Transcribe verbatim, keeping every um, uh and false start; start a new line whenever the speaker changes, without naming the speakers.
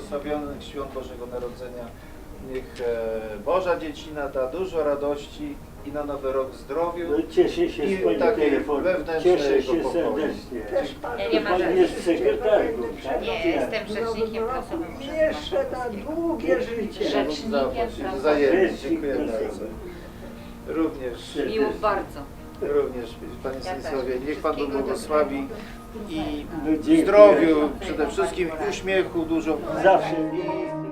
błogosławionych świąt Bożego Narodzenia. Niech e, Boża Dziecina da dużo radości i na Nowy Rok zdrowiu
No, cieszę się
i
z pani
takiej
telefonu.
wewnętrznej
Cieszę
jego
się
pokoju.
serdecznie.
Też pan,
Ja nie ma
Pan
żadnych.
jest sekretarką, tak?
Nie, jestem rzecznikiem prasowym.
jeszcze na długie życie.
Rzecznikiem prasowym.
Wzajemnie, dziękuję bardzo. Również,
Miło bardzo.
również Panie
Ja
Stanisławie,
też.
niech Pan Bóg
Wszystkiego
błogosławi i
No, dziękuję.
zdrowiu, przede wszystkim uśmiechu dużo.
Zawsze mi